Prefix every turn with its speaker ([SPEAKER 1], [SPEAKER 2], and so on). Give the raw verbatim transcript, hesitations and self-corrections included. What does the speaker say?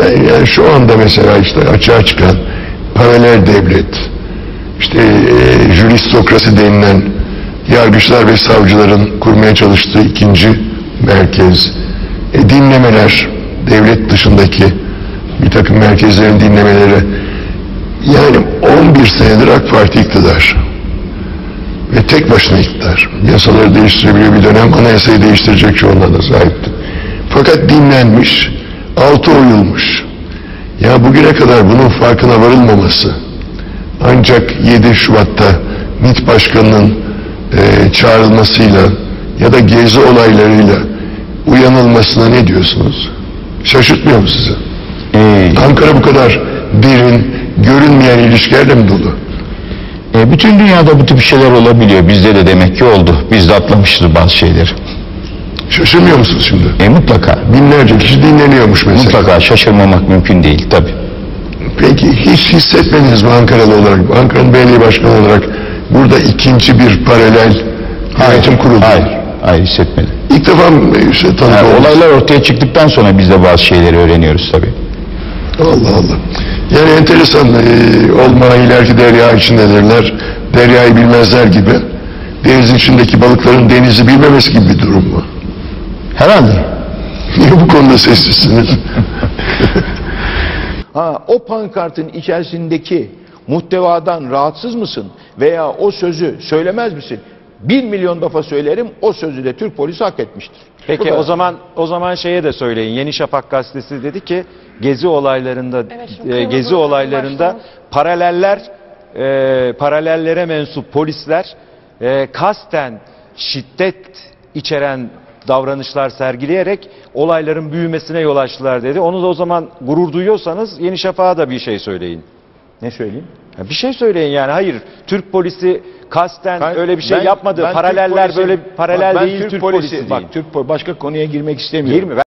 [SPEAKER 1] Ben yani şu anda mesela işte açığa çıkan paralel devlet, işte e, juristokrasi denilen yargıçlar ve savcıların kurmaya çalıştığı ikinci merkez, e, dinlemeler, devlet dışındaki bir takım merkezlerin dinlemeleri, yani on bir senedir AK Parti iktidar ve tek başına iktidar. Yasaları değiştirebiliyor, bir dönem anayasayı değiştirecek çoğunluğa da sahipti. Fakat dinlenmiş, altı oyulmuş. Ya bugüne kadar bunun farkına varılmaması, ancak yedi Şubat'ta MİT Başkanı'nın e, çağrılmasıyla ya da gezi olaylarıyla uyanılmasına ne diyorsunuz? Şaşırtmıyor mu sizi?
[SPEAKER 2] Ee,
[SPEAKER 1] Ankara bu kadar derin, görünmeyen ilişkilerle mi dolu?
[SPEAKER 2] e, bütün dünyada bu tip şeyler olabiliyor. Bizde de demek ki oldu. Biz de atlamışız bazı şeyleri.
[SPEAKER 1] Şaşırmıyor musunuz şimdi?
[SPEAKER 2] E, mutlaka.
[SPEAKER 1] Binlerce kişi dinleniyormuş mesela.
[SPEAKER 2] Mutlaka şaşırmamak mümkün değil tabii.
[SPEAKER 1] Peki hiç hissetmediniz mi Ankaralı olarak, Ankara'nın belediye başkanı olarak burada ikinci bir paralel yönetim kurulu?
[SPEAKER 2] Hayır, hayır hissetmedim.
[SPEAKER 1] İlk defa işte tanık
[SPEAKER 2] Yani
[SPEAKER 1] oldunuz.
[SPEAKER 2] olaylar ortaya çıktıktan sonra biz de bazı şeyleri öğreniyoruz tabii.
[SPEAKER 1] Allah Allah. Yani enteresan, e, olma ileriki derya içindedirler, deryayı bilmezler gibi. Denizin içindeki balıkların denizi bilmemesi gibi bir durum mu?
[SPEAKER 2] Herhalde.
[SPEAKER 1] Niye bu konuda sessizsiniz?
[SPEAKER 3] Ha, o pankartın içerisindeki muhtevadan rahatsız mısın veya o sözü söylemez misin? Bir milyon defa söylerim, o sözü de Türk polisi hak etmiştir.
[SPEAKER 4] Peki o zaman o zaman şeye de söyleyin. Yeni Şafak gazetesi dedi ki gezi olaylarında
[SPEAKER 5] Evet, şimdi
[SPEAKER 4] e, gezi
[SPEAKER 5] kırmızı
[SPEAKER 4] olaylarında
[SPEAKER 5] başlamış.
[SPEAKER 4] paraleller e, paralellere mensup polisler e, kasten şiddet içeren davranışlar sergileyerek olayların büyümesine yol açtılar dedi. Onu da o zaman gurur duyuyorsanız Yeni Şafak'a da bir şey söyleyin.
[SPEAKER 3] Ne söyleyeyim?
[SPEAKER 4] Ya bir şey söyleyin yani. Hayır, Türk polisi kasten
[SPEAKER 3] Ben-
[SPEAKER 4] öyle bir şey
[SPEAKER 3] ben-
[SPEAKER 4] yapmadı.
[SPEAKER 3] ben Türk
[SPEAKER 4] Paraleller
[SPEAKER 3] polisi-
[SPEAKER 4] böyle paralel
[SPEAKER 3] bak, ben
[SPEAKER 4] değil Türk,
[SPEAKER 3] Türk
[SPEAKER 4] polisi, değil.
[SPEAKER 3] Bak Türk polisi başka konuya girmek istemiyorum.
[SPEAKER 4] Girme.